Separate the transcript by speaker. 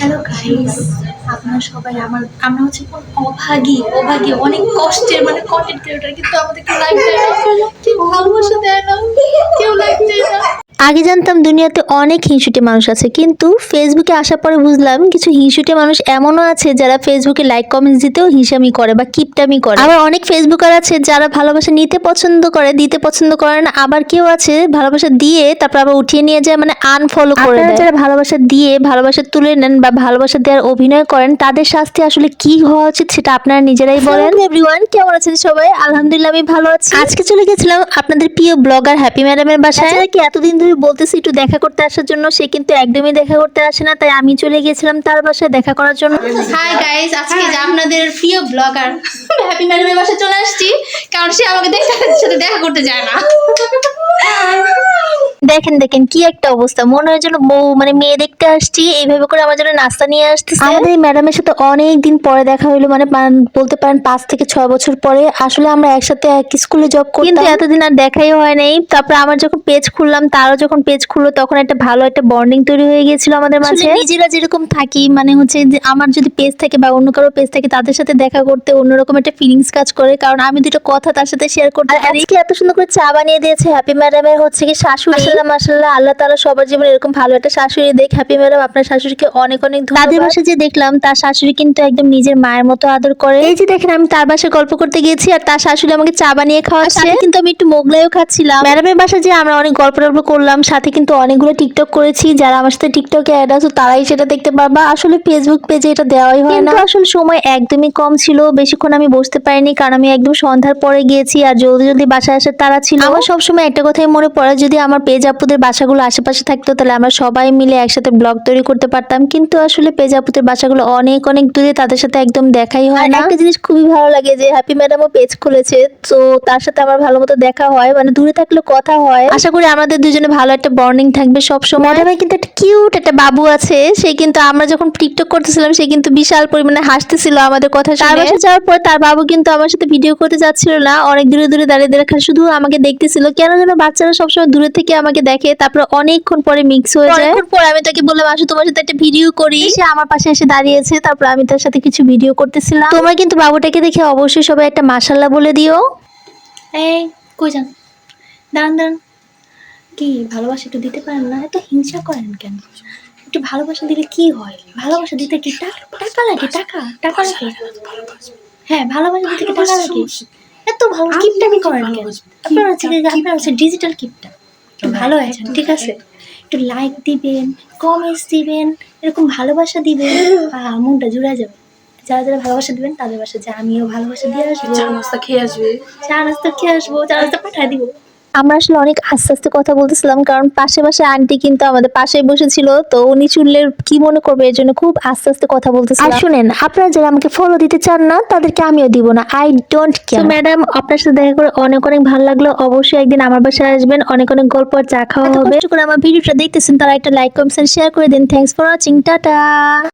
Speaker 1: Hello guys, আপনারা সবাই আমরা হচ্ছে কোন অভাগী অভাগী অনেক কষ্টের মানে কন্টেন্ট ক্রিয়েটর, কিন্তু আমাদেরকে লাইক দেয় না, কেউ ভালোবাসা দেয় না, কেউ লাইক দেয় না।
Speaker 2: আগে জানতাম দুনিয়াতে অনেক হিংসুটে মানুষ আছে, কিন্তু ফেসবুকে আসার পরে বুঝলাম কিছু হিংসুটে মানুষ এমনও আছে যারা ফেসবুকে লাইক কমেন্টস দিতেও হিংসামি করে বা কিপটামি করে। আবার অনেক ফেসবুকার আছে যারা ভালোবাসা নিতে পছন্দ করে, দিতে পছন্দ করে না। আবার কেউ আছে ভালোবাসা দিয়ে তারপর আবার উঠিয়ে নিয়ে যায়, মানে আনফলো করে দেয়। যারা ভালোবাসা দিয়ে ভালোবাসা তুলে নেন বা ভালোবাসা দেওয়ার অভিনয় করেন, তাদের শাস্তি আসলে কি হওয়া উচিত সেটা আপনারা নিজেরাই বলেন। এভরিওয়ান, কেমন আছেন সবাই? আলহামদুলিল্লাহ আমি ভালো আছি। আজকে চলে গেছিলাম আপনাদের প্রিয় ব্লগার হ্যাপি ম্যাডামের বাসায়। কি এতদিন ধরে বলতেছি একটু দেখা করতে আসার জন্য, সে কিন্তু একদমই দেখা করতে আসে না, তাই আমি চলে গেছিলাম তার বাসায় দেখা করার জন্য।
Speaker 1: হাই গাইস, আজকে যে আপনাদের প্রিয় ব্লগার হ্যাপি ম্যাডামের বাসায় চলে আসছি, কারণ সে আমাকে সাথে দেখা করতে যায় না।
Speaker 2: দেখেন দেখেন কি একটা অবস্থা, মনে হয় যেন বউ মানে মেয়ে দেখতে আসছি, এইভাবে করে আমার জন্য নাস্তা নিয়ে আসতেছে। আমাদের এই ম্যাডামের সাথে অনেক দিন পরে দেখা হইলো, মানে বলতে পারেন 5 থেকে 6 বছর পরে। আসলে আমরা একসাথে এক স্কুলে জব করতাম, কিন্তু এতদিন আর দেখাই হয় নাই। তারপর আমার যখন পেজ খুললাম, তারও যখন পেজ খুললো, তখন একটা ভালো একটা বন্ডিং তৈরি হয়ে গিয়েছিল আমাদের মাঝে। নিজেরা যেরকম থাকি, মানে হচ্ছে যে আমার যদি পেজ থাকে বা অন্য কারো পেজ থাকে, তাদের সাথে দেখা করতে অন্যরকম একটা ফিলিংস কাজ করে, কারণ আমি দুটো কথা তার সাথে শেয়ার করতে পারি। আজকে এত সুন্দর করে চা বানিয়ে দিয়েছে হ্যাপি ম্যাডামের হচ্ছে কি শাশুড়ি। মাশাআল্লাহ, আল্লাহ তাআলা সবার জীবনে এরকম ভালো একটা শাশুড়ি দেখ। হ্যাপি ম্যাডাম, আপনার শাশুড়িকে অনেক অনেক ধন্যবাদ। তাদের বাসায় যে দেখলাম, তার শাশুড়ি কিন্তু একদম নিজের মায়ের মতো আদর করে। এই যে দেখেন, আমি তার বাসায় গল্প করতে গিয়েছি আর তার শাশুড়ি আমাকে চা বানিয়ে খাওয়াচ্ছে, কিন্তু আমি একটু মোগলাইও খাচ্ছিলাম। ম্যাডামের বাসায় যে আমরা অনেক গল্প করলাম, সাথে কিন্তু অনেকগুলো টিকটক করেছি। যারা আমার সাথে টিকটকে অ্যাড আছে তারাই সেটা দেখতে পারবা। আসলে ফেসবুক পেজে এটা দেওয়াই হয় না, আসলে সময় একদমই কম ছিল, বেশিক্ষণ আমি বসতে পারিনি, কারণ আমি একদম সন্ধ্যার পরে গিয়েছি আর জলদি জলদি বাসায় আসার তারা ছিল। আমার সবসময় একটা কথাই মনে পড়ে, যদি আমার পেজ আপুদের বাসাগুলো আশেপাশে থাকতো তাহলে আমরা সবাই মিলে একসাথে ব্লগ তৈরি করতে পারতাম, কিন্তু আসলে পেজ আপুদের বাসাগুলো অনেক অনেক দূরে, তাদের সাথে একদম দেখাই হয় না। একটা জিনিস খুবই ভালো লাগে যে হ্যাপি ম্যাডামও পেজ খুলেছে, তো তার সাথে আমার ভালো মতো দেখা হয়, মানে দূরে থাকলে কথা হয়। আশা করি আমাদের দুজনে ভালো একটা বন্ডিং থাকবে সব সময়। ম্যাডামের কিন্তু একটা কিউট একটা বাবু আছে, সে কিন্তু আমরা যখন টিকটক করতেছিলাম সে কিন্তু বিশাল পরিমাণে হাসতেছিল আমাদের কথা শুনে। তার বাসায় যাওয়ার পর তার বাবু কিন্তু আমার সাথে ভিডিও করতে যাচ্ছিল না, অনেক দূরে দূরে দাঁড়িয়ে দাঁড়িয়ে শুধু আমাকে দেখতেছিল। কেন যেন বাচ্চারা সবসময় দূরে থেকে আমাকে দেখে, তারপর অনেকক্ষণ পরে মিক্স হয়ে যায়। অনেকক্ষণ পরে আমি তাকে বললাম, আসো তোমার সাথে একটা ভিডিও করি। সে আমার পাশে এসে দাঁড়িয়েছে, তারপর আমি তার সাথে কিছু ভিডিও করতেছিলাম। তোমরা কিন্তু বাবুটাকে দেখে অবশ্যই সবাই একটা মাশাআল্লাহ বলে দিও।
Speaker 1: এই কই যান, দাঁড়ান দাঁড়ান, কি ভালোবাসা একটু দিতে পারেন না? এত হিংসা করেন কেন? একটু ভালোবাসা দিলে কি হয়? ভালোবাসা দিতে কি টাকা লাগে? টাকা টাকা লাগে? হ্যাঁ, ভালোবাসা দিতে কি টাকা লাগে? এত ভালো কিপটামি করেন কেন? আপনার হচ্ছে ডিজিটাল কিপটা। একটু ভালো আছেন, ঠিক আছে? একটু লাইক দিবেন, কমেন্টস দিবেন, এরকম ভালোবাসা দিবেন, মনটা জুড়ে যাবে। যারা যারা ভালোবাসা দিবেন তাদের বাসা যে আমিও ভালোবাসা দিয়ে আসবো, চা নাস্তা খেয়ে আসবো, চা নাস্তা পাঠায় দিব।
Speaker 2: আমরা আসলে অনেক আস্তে আস্তে কথা বলতেছিলাম, কারণ পাশে আন্টি কিন্তু আমাদের পাশেই বসেছিল, তো উনি চুললের কি মনে করবে, এর জন্য খুব আস্তে আস্তে কথা বলতেছিলাম। আর শুনেন, আপনারা যারা আমাকে ফলো দিতে চান না তাদেরকে আমিও দিব না, আই ডোন্ট কেয়ার। ম্যাডাম, আপনার সাথে দেখা করে অনেক অনেক ভালো লাগলো। অবশ্যই একদিন আমার বাসায় আসবেন, অনেক অনেক গল্প আর চা খাওয়া হবে। কষ্ট করে আমার ভিডিওটা দেখতেছেন, তারা একটা লাইক কমেন্ট শেয়ার করে দিন। Thanks for watching, tata.